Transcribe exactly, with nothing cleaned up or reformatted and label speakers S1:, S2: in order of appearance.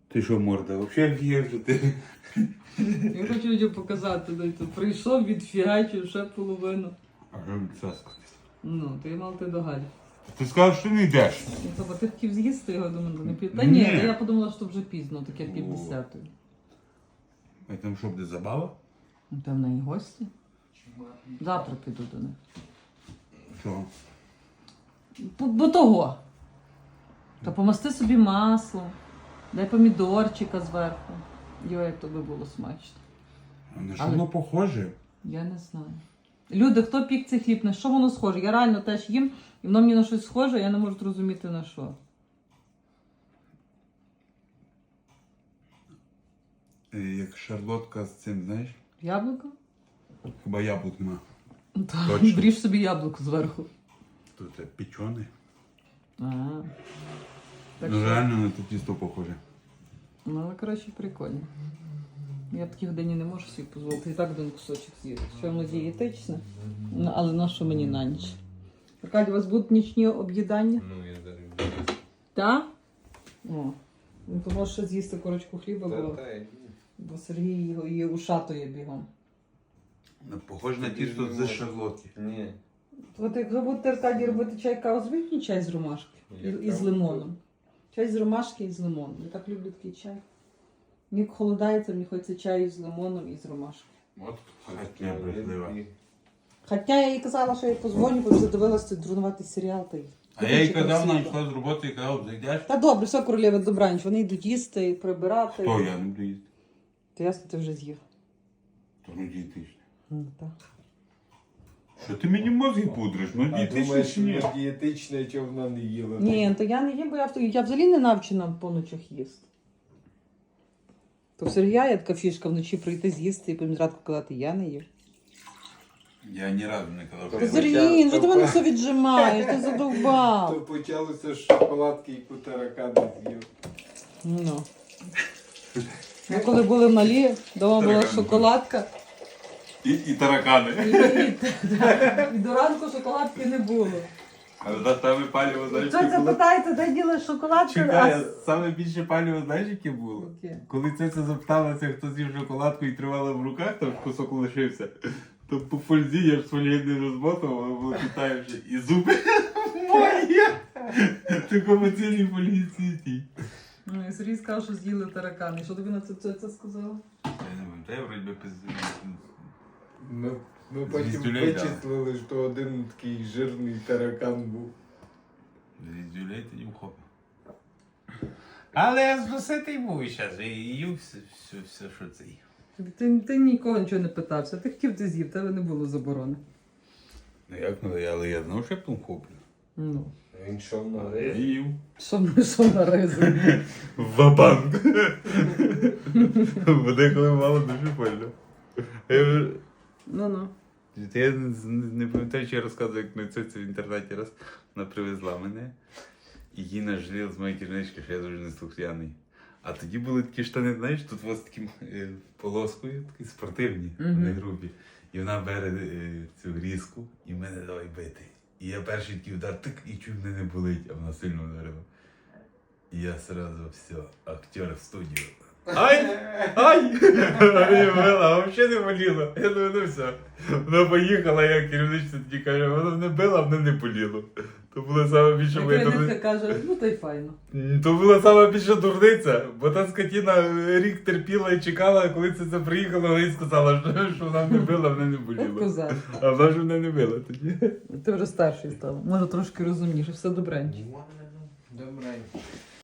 S1: Ти що, морда, взагалі в'єш, ти?
S2: Я хочу людям показати, де тут прийшов, відфігачив ще половину.
S1: А що мені це сказати?
S2: Ну, ти мав ти до Галі.
S1: Ти сказав, що не йдеш.
S2: Ну, тобто ти хотів з'їсти його, думаю, не пів. Та
S1: Ні.
S2: ні, та я подумала, що вже пізно, таке пів десятої.
S1: А там що буде забава?
S2: Ну, там в неї гості. Завтра піду до них.
S1: Що?
S2: Бо, бо того. Та помасти собі маслом, дай помідорчика зверху. Йо, як тобі було смачно.
S1: А на що
S2: Але-
S1: воно похоже?
S2: Я не знаю. Люди, хто пік цей хліб, на що воно схоже? Я реально теж їм, і воно мені на щось схоже, я не можу зрозуміти на що.
S1: Е, Як шарлотка з цим, знаєш?
S2: Яблуко?
S1: Хіба яблук нема.
S2: Так,
S1: Точно.
S2: бріж собі яблуко зверху.
S1: Тут це печене.
S2: А, так
S1: Ну
S2: що,
S1: реально на те тісто похоже.
S2: ну, але, коротше, прикольно. Я в такій годині не можу собі дозволити. І так один кусочок з'їсти. Що воно дієтичне, ну, але на що мені на ніч? Аркадій, у вас будуть нічні об'їдання?
S3: Ну, я зараз.
S2: Так? О. Ну, то можеш ще з'їсти корочку хліба,
S3: Та,
S2: бо,
S3: та, ні.
S2: бо Сергій його її ушатує бігом.
S1: Ну, Похоже на
S3: Тобі ж
S1: тісто
S3: не
S1: з
S3: можна.
S1: шарлотки.
S3: Ні.
S2: От якщо будете Аркадій робити чай каву, зробіть мені чай з ромашки і,
S3: Я
S2: і з
S3: каву
S2: лимоном. Чай з ромашки і з лимоном. Я так люблю такий чай. Мені як холодається, мені хочеться чаю з лимоном і з ромашки.
S1: От хатня брехлива.
S2: Хоча я їй казала, що я їй позвоню, бо задивилася цей дурнуватий серіал. Та й
S1: А я їй казав,
S2: красиво.
S1: вона йшла з роботи і казав, зайдеш?
S2: Та добре, все, королева, добраніч. Вони йдуть їсти, прибирати.
S1: То я не буду їсти.
S2: То ясно, ти вже з'їв.
S1: То ну дієтичне.
S2: Ну, так.
S1: Що ти мені мозги пудриш? Ну
S3: А
S1: дієтичне
S3: думаєш,
S1: чи ні?
S3: що дієтичне, чого вона не їла?
S2: Ні, то я не їм, бо я, в- я взагалі не навчена по ночах їсти. То в Сергія є така фішка вночі прийти з'їсти і потім зранку казати, я не їв.
S1: Я ні разу не казав, що
S2: Та
S1: я
S3: Сергій,
S1: не
S2: Сергій, ну що
S3: то
S2: ти мене
S3: па-
S2: все віджимаєш, ти
S3: То
S2: задовбав.
S3: почалося з шоколадки і кутаракани з'їв.
S2: Ну. Ми коли були малі, вдома була
S1: Таракани.
S2: шоколадка.
S1: І, і таракани.
S2: І, і, і до ранку шоколадки не було.
S1: Але за саме паліво, знаєш,
S2: Хто це питається, де діли шоколадки?
S1: Чекай,
S2: а-
S1: саме більше паліво, знаєш, яке було?
S2: Яке?
S1: Коли це це запиталася, хто з'їв шоколадку і тривала в руках, там кусок лишився, то по фользі я ж своєї не розмотував, воно було питаючи, і зуби мої! Такому цілій поліції.
S2: Ну, і Сергій сказав, що з'їли таракани. Що тобі на це, це, це сказала?
S1: Я не пам'ятаю, вроді би пиздили.
S3: Ми, ми потім
S1: Звіздюлей, да.
S3: вичислили, що один такий жирний таракан був.
S1: Звіздюлей тоді вхопив. Але я зноситий був зараз, і їв все, все, все, що це їв.
S2: Ти, ти нікого нічого не питався. Ти хотів, ти з'їв, тебе не було заборони.
S1: Ну як, ну, але я знав, що я потім хоплю.
S2: Ну.
S3: Він йшов на рис.
S1: Їв.
S2: Що ми що на ризик?
S1: Вабанк. Бо деколи мало дуже больно. Я вже...
S2: Ну-ну.
S1: Я не, не пам'ятаю, чи я розказував, як на це в інтернеті раз вона привезла мене. І їй нажаліла з моєї керівнички, що я дуже неслухняний. А тоді були такі штани, знаєш, тут у вас таким е, полоскою, такі спортивні,
S2: Мгм.
S1: не грубі. І вона бере е, цю різку і мене давай бити. І я перший такий удар, тик, і чуть мене не болить, а вона сильно вдарила. І я сразу все, актер в студію. Ай! Ай! Мені била, а взагалі не боліло. Я думаю, ну все. Вона поїхала, я керівничці тоді каже, вона не била, а мене не боліло. То була саме більша моя
S2: Керівниця
S1: дурниця.
S2: каже, ну то й файно.
S1: То була сама більша дурниця, бо та скотіна рік терпіла і чекала, а коли це, це приїхало, вона їй сказала, що, що вона не била, мене не
S2: От
S1: боліло.
S2: козак.
S1: А вона ж мене не била тоді.
S2: Ти вже старший став. Може трошки розумніше, все добренько.
S3: Добре.